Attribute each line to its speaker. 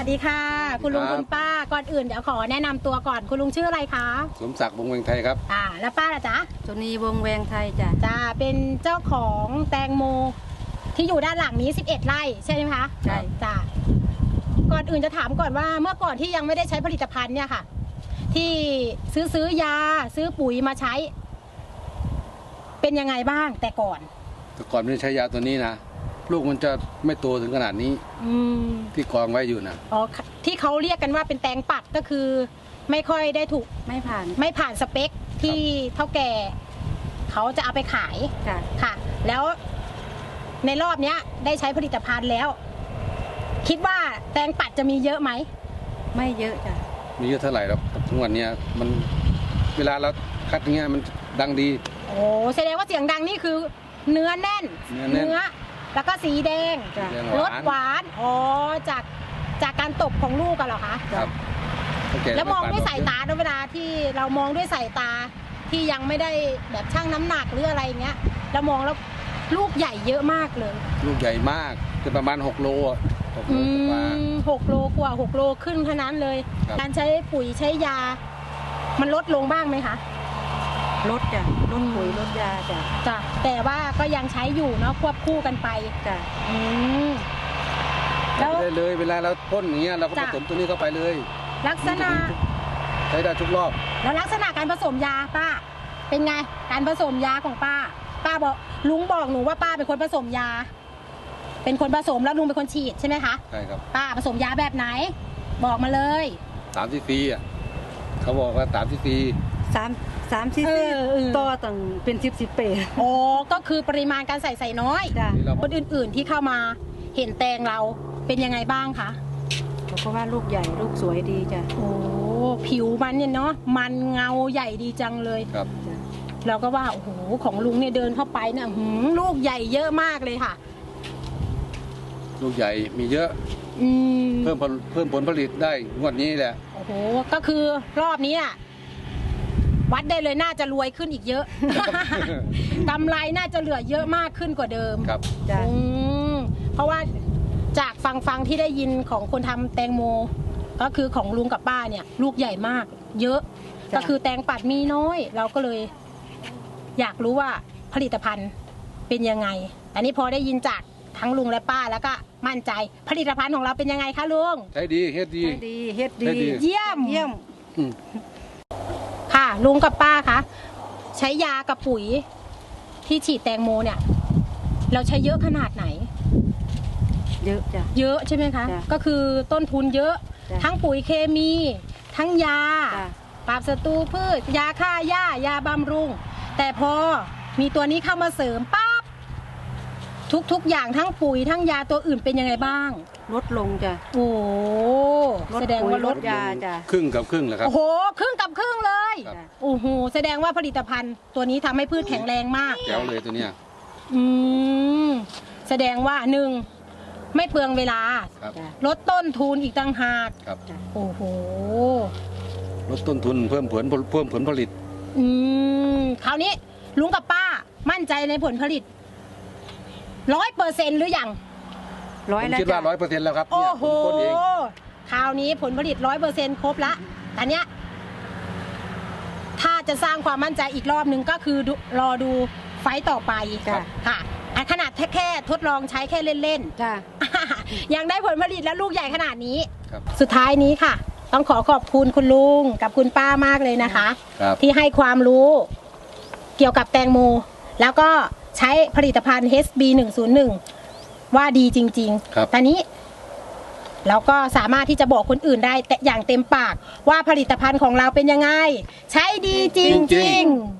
Speaker 1: สดีค่ะคุณลุงคุณป้าก่อนอื่นเดี๋ยวขอแนะนำตัวก่อนคุณลุงชื่ออะไรคะ
Speaker 2: สมศักดิ์วงศ์เวงไทยครับ
Speaker 1: แล้วป้าล่ะจ๊ะ
Speaker 3: สุนีวงศ์แวงไทยจ้ะ
Speaker 1: เป็นเจ้าของแตงโมที่อยู่ด้านหลังนี้11 ไร่ใช่ไหมคะ
Speaker 3: ใช่
Speaker 1: จ้ะก่อนอื่นจะถามก่อนว่าเมื่อก่อนที่ยังไม่ได้ใช้ผลิตภัณฑ์เนี่ยค่ะที่ซื้อยาซื้อปุ๋ยมาใช้เป็นยังไงบ้างแต่ก่อน
Speaker 2: ไม่ได้ใช้ยาตัวนี้นะลูกมันจะไม่โตถึงขนาดนี้ที่กองไว้อยู่นะ
Speaker 1: ที่เขาเรียกกันว่าเป็นแตงปัดก็คือไม่ค่อยได้ถูก
Speaker 3: ไม่
Speaker 1: ผ่านสเปคที่เท่าแก่เขาจะเอาไปขายค่ะแล้วในรอบเนี้ยได้ใช้ผลิตภัณฑ์แล้วคิดว่าแตงปัดจะมีเยอะไหม
Speaker 3: ไม่เยอะจ้ะ
Speaker 2: มีเยอะเท่าไหร่แล้วทุกวันนี้มันเวลาเราคัดอย่างเงี้ยมันดังดี
Speaker 1: แสดงว่าเสียงดังนี่คือเนื้อแน่นแล้วก็สีแดงรสหวานจากการตบของลูกกันเหรอคะ
Speaker 2: ครับ
Speaker 1: แล้วมองด้วยสายตาเวลาที่เรามองด้วยสายตาที่ยังไม่ได้แบบชั่งน้ำหนักหรืออะไรเงี้ยเรามองแล้วลูกใหญ่เยอะมากเลย
Speaker 2: ลูกใหญ่มากคือประมาณ6 โล
Speaker 1: 6 โลกว่า6 โลขึ้นเท่านั้นเลยการใช้ปุ๋ยใช้ยามันลดลงบ้างไหมคะ
Speaker 3: ลดจ้ะลดปุ๋ยลดยา
Speaker 1: จ้ะแต่ว่าก็ยังใช้อยู่เนาะควบคู่กันไป
Speaker 3: จ้ะ
Speaker 2: แล้วเลยเวลาเราพ่นอย่างเงี้ยเราก็ผสมตัวนี้เข้าไปเลย
Speaker 1: ลักษณะ
Speaker 2: ใช้ได้ทุกรอบ
Speaker 1: แล้วลักษณะการผสมยาป้าเป็นไงการผสมยาของป้าบอกลุงบอกหนูว่าป้าเป็นคนผสมยาเป็นคนผสมแล้วลุงเป็นคนฉีดใช่ไหมคะ
Speaker 2: ใช่ครับ
Speaker 1: ป้าผสมยาแบบไหนบอกมาเลย
Speaker 2: 3 ซีซีเขาบอกว่า3 ซีซี
Speaker 3: 3 ซีซีต่อตั้งเป็น10 เปร
Speaker 1: ก็คือปริมาณการใส่น้อยคนอื่นๆที่เข้ามาเห็นแตงเราเป็นยังไงบ้างคะ
Speaker 3: เขาก็ว่าลูกใหญ่ลูกสวยดีจ้ะ
Speaker 1: ผิวมันเนี่ยเนาะมันเงาใหญ่ดีจังเลย
Speaker 2: ครับ
Speaker 1: เราก็ว่าโอ้โหของลุงเนี่ยเดินเข้าไปเนี่ยลูกใหญ่เยอะมากเลยค่ะ
Speaker 2: ลูกใหญ่มีเยอะเพิ่มผลผลิตได้งวดนี้แหละ
Speaker 1: ก็คือรอบนี้อ่ะวัดได้เลยน่าจะรวยขึ้นอีกเยอะกำไรน่าจะเหลือเยอะมากขึ้นกว่าเดิม
Speaker 2: ครับ
Speaker 1: เพราะว่าจากฟังที่ได้ยินของคนทำแตงโมก็คือของลุงกับป้าเนี่ยลูกใหญ่มากเยอะก็คือแตงปัดมีน้อยเราก็เลยอยากรู้ว่าผลิตภัณฑ์เป็นยังไงอันนี้พอได้ยินจากทั้งลุงและป้าแล้วก็มั่นใจผลิตภัณฑ์ของเราเป็นยังไงคะลุง
Speaker 2: ใช้ดีเฮ็ดดี
Speaker 1: เยี่ยมค่ะลุงกับป้าคะใช้ยากับปุ๋ยที่ฉีดแตงโมเนี่ยเราใช้เยอะขนาดไหน
Speaker 3: เยอะจ้ะ
Speaker 1: เยอะใช่ไหมคะก็คือต้นทุนเยอะทั้งปุ๋ยเคมีทั้งยาปราบศัตรูพืชยาฆ่าหญ้ายาบำรุงแต่พอมีตัวนี้เข้ามาเสริมปั๊บทุกอย่างทั้งปุ๋ยทั้งยาตัวอื่นเป็นยังไงบ้าง
Speaker 3: ลดลงจ้ะ
Speaker 1: แสดงว่าลด
Speaker 3: ยาจ้ะ
Speaker 2: ครึ่งกับครึ่งเลยครับ
Speaker 1: ครึ่งกับครึ่งเลยแสดงว่าผลิตภัณฑ์ตัวนี้ทำให้พืชแข็งแรงมาก
Speaker 2: แจ๋วเลยตัวเนี้ย
Speaker 1: แสดงว่า1ไม่เปลืองเวลาลดต้นทุนอีกต่างหาก
Speaker 2: ลดต้นทุนเพิ่มผลผลิต
Speaker 1: คราวนี้ลุงกับป้ามั่นใจในผลผลิต100%หรือยัง
Speaker 2: ผมคิดว่า100%แล้วครับ
Speaker 1: คราวนี้ผลผลิต100%ครบละแต่เนี้ยถ้าจะสร้างความมั่นใจอีกรอบนึงก็คือรอดูไฟต์ต่อไปค่ะขนาดแค่ทดลองใช้แค่เล่นๆยังได้ผลผลิตแล้วลูกใหญ่ขนาดนี้สุดท้ายนี้ค่ะต้องขอบคุณคุณลุงกับคุณป้ามากเลยนะคะที่ให้ความรู้เกี่ยวกับแตงโมแล้วก็ใช้ผลิตภัณฑ์ HB101 ว่าดีจริงๆตอนนี้เราก็สามารถที่จะบอกคนอื่นได้แต่อย่างเต็มปากว่าผลิตภัณฑ์ของเราเป็นยังไงใช้ดีจริงๆ